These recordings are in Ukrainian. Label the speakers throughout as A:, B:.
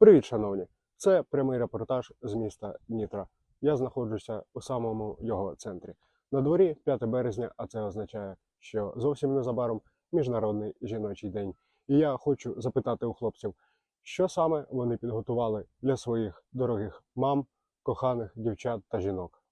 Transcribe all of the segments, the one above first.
A: Привіт, шановні! Це прямий репортаж з міста Дніпра. Я знаходжуся у самому його центрі. На дворі 5 березня, а це означає, що зовсім незабаром Міжнародний жіночий день. І я хочу запитати у хлопців, що саме вони підготували для своїх дорогих мам, коханих дівчат та жінок.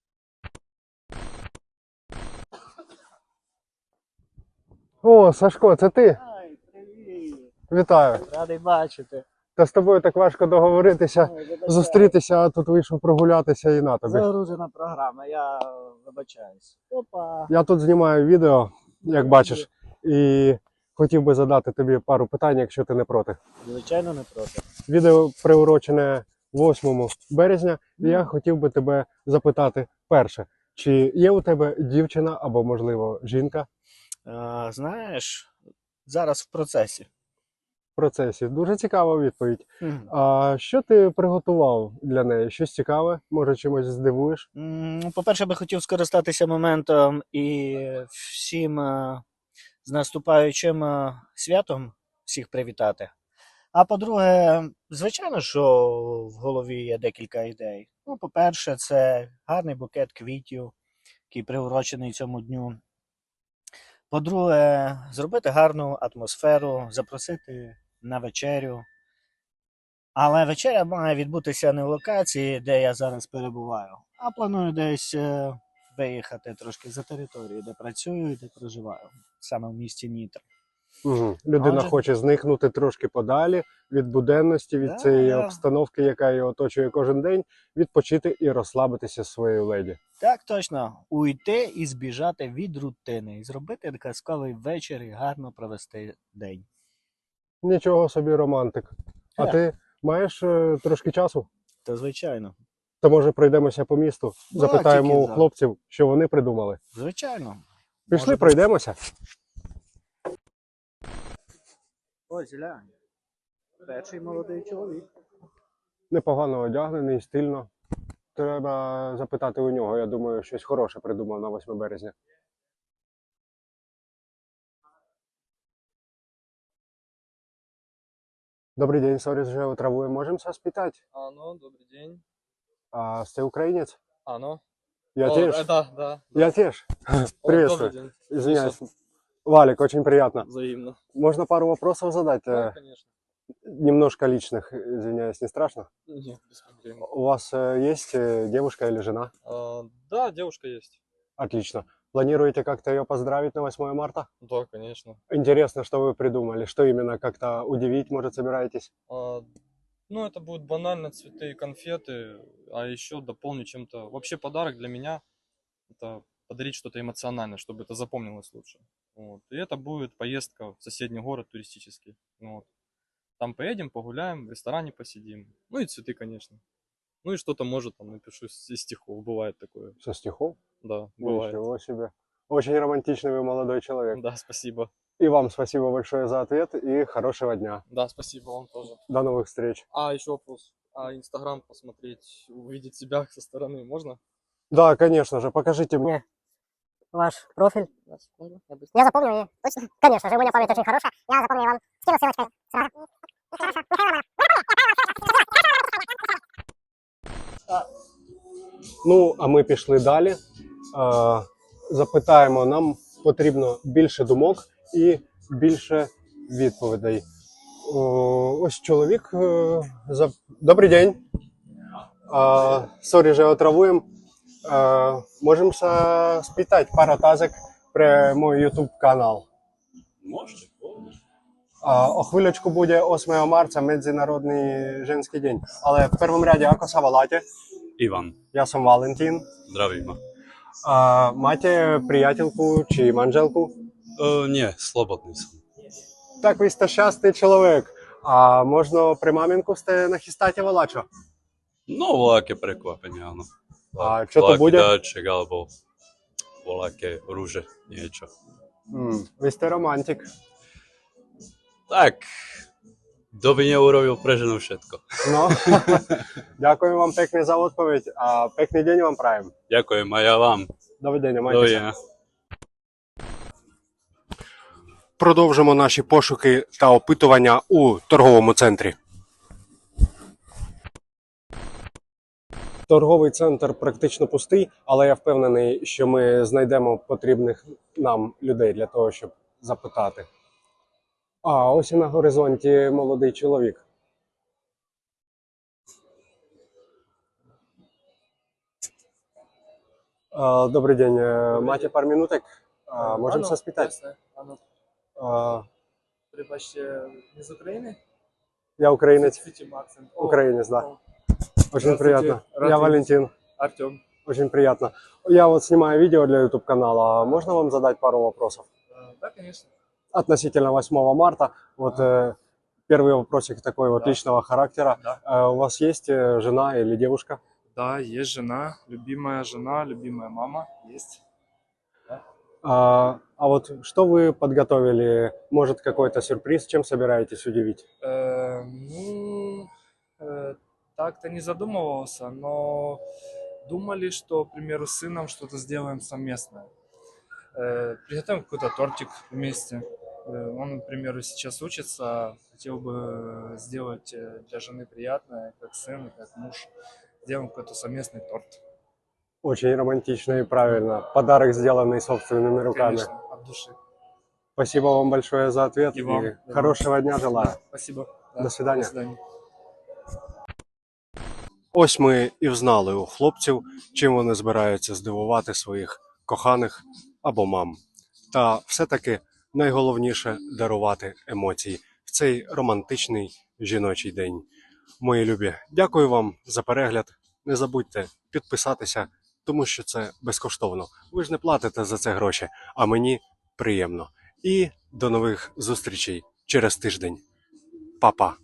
A: О, Сашко, це ти?
B: Ай, привіт!
A: Вітаю!
B: Радий бачити.
A: Та з тобою так важко договоритися,
B: Ой, вибачаю.
A: зустрітися, а тут вийшов прогулятися і на тобі.
B: Загружена програма, я вибачаюсь. Опа!
A: Я тут знімаю відео, як бачиш, і хотів би задати тобі пару питань, якщо ти не проти.
B: Звичайно, не проти.
A: Відео приурочене 8 березня, і я хотів би тебе запитати перше, чи є у тебе дівчина або, можливо, жінка
B: Знаєш, зараз в процесі.
A: в процесі? Дуже цікава відповідь. А що ти приготував для неї? Щось цікаве? Може, чимось здивуєш?
B: По-перше, би хотів скористатися моментом і всім з наступаючим святом всіх привітати. А по-друге, звичайно, що в голові є декілька ідей. Ну, по-перше, це гарний букет квітів, який приурочений цьому дню. По-друге, зробити гарну атмосферу, запросити на вечерю. Але вечеря має відбутися не в локації, де я зараз перебуваю, а планую десь виїхати трошки за територію, де працюю і де проживаю, саме в місті Дніпро.
A: Угу. Людина
B: Отже.
A: хоче зникнути трошки подалі від буденності, від
B: Да,
A: цієї
B: да.
A: обстановки, яка її оточує кожен день, відпочити і розслабитися зі своєю леді.
B: Так, точно, уйти і збіжати від рутини, і зробити казковий вечір і гарно провести день.
A: Нічого собі, романтик. А
B: Ха.
A: ти маєш трошки часу?
B: То звичайно.
A: То може пройдемося по місту,
B: Да,
A: запитаємо
B: тільки
A: у
B: за.
A: хлопців, що вони придумали.
B: Звичайно.
A: Пішли,
B: Може,
A: пройдемося.
B: ось глянь. Перший молодий чоловік.
A: Непогано одягнений, стильно. Треба запитати у нього, я думаю, щось хороше придумав на 8 березня. Добрый день, сори, уже утравую. Можем вас питать?
C: Ну, добрый день.
A: А ты украинец?
C: Ну.
A: Я
C: О,
A: теж.
C: да.
A: Я теж.
C: О,
A: Приветствую.
C: добрый день.
A: Извиняюсь. Валик, очень приятно.
C: Взаимно.
A: Можно пару вопросов задать?
C: Да, конечно.
A: Немножко личных, извиняюсь, не страшно?
C: Нет, без проблем.
A: У вас есть девушка или жена?
C: Да, девушка есть.
A: Отлично. Планируете как-то ее поздравить на 8 марта?
C: Да, конечно.
A: Интересно, что вы придумали? Что именно как-то удивить, может, собираетесь?
C: Ну, это будут банально цветы и конфеты, а еще дополню чем-то. Вообще подарок для меня – это подарить что-то эмоциональное, чтобы это запомнилось лучше. Вот. И это будет поездка в соседний город туристический. Вот. Там поедем, погуляем, в ресторане посидим. Ну и цветы, конечно. Ну и что-то, может, там напишу из стихов. Бывает такое.
A: Со стихов?
C: Да, бывает.
A: Ничего себе. Очень романтичный вы молодой человек.
C: Да, спасибо.
A: И вам спасибо большое за ответ и хорошего дня.
C: Да, спасибо вам тоже.
A: До новых встреч.
C: Еще вопрос. Инстаграм посмотреть, увидеть себя со стороны можно?
A: Да, конечно же, покажите мне.
D: Ваш профиль. Я запомнил ее. Точно? Конечно же, у меня память очень хорошая. Я запомнил, я вам скину ссылочкой. Сразу. Хорошо.
A: Ну, а ми пішли далі. Запитаємо, нам потрібно більше думок і більше відповідей. Ось чоловік. Добрий день. Сорі, же отравуємо. Можемо спитати пару тазик про мой YouTube канал.
E: Можеш?
A: О хвилечку буде 8 марта, Міжнародний жінський день. Але в першому ряді, ako sa voláte?
E: Іван,
A: Я сам Валентин.
E: здравíme.
A: Máte priateľku či manželku?
E: Ні, slobodný som.
A: Tak vy ste šťastný človek. A možno pre maminku ste nachystáte voľačo?
E: No, voľaké prekvapenie, áno.
A: A čo to
E: Voľaký
A: bude?
E: dáček, alebo voľaké rúže, niečo.
A: Vy ste romantik.
E: Tak, kto by neurobil pre ženu všetko.
A: No, ďakujem vám pekne za odpoveď a pekný deň vám prajem.
E: Ďakujem aj ja vám.
A: Dovidenia, majte sa.
E: Dovidenia.
A: Продовжимо наші пошуки та опитування у торговому центрі. Торговий центр практично пустий, але я впевнений, що ми знайдемо потрібних нам людей для того, щоб запитати. А ось і на горизонті молодий чоловік. Добрый день. Маcie пару минуток? Можем
F: Ану,
A: соспитать?
F: ясно. Ану,
A: А,
F: прибачте, не з України?
A: Я украинец.
F: Чуть-чуть акцент. О,
A: Украинец, да.
F: о,
A: Очень
F: Здравствуйте.
A: приятно.
F: Рад
A: Я
F: видеть.
A: Валентин.
F: Артем.
A: Очень приятно. Я вот снимаю видео для YouTube канала. Можно вам задать пару вопросов?
F: Да, конечно.
A: Относительно 8 марта. Вот первый вопросик такой вот
F: Да.
A: личного характера.
F: Да.
A: У вас есть жена или девушка?
F: Да, есть жена, любимая мама есть.
A: А вот что вы подготовили? Может, какой-то сюрприз? Чем собираетесь удивить?
F: Ну, так-то не задумывался, но думали, что, к примеру, с сыном что-то сделаем совместное. Приготовим какой-то тортик вместе. Он, к примеру, сейчас учится, хотел бы сделать для жены приятное, как сын, как муж. Сделаем какой-то совместный торт.
A: Очень романтично и правильно. Подарок, сделанный собственными руками.
F: Конечно, от души.
A: Спасибо вам большое за ответ.
F: И вам.
A: И хорошего дня желаю.
F: Да, спасибо.
A: До свидания.
F: До свидания.
A: Ось ми і взнали у хлопців, чим вони збираються здивувати своїх коханих або мам. Та все-таки найголовніше дарувати емоції в цей романтичний жіночий день. Мої любі, дякую вам за перегляд. Не забудьте підписатися, тому що це безкоштовно. Ви ж не платите за це гроші, а мені приємно. І до нових зустрічей через тиждень. Па-па!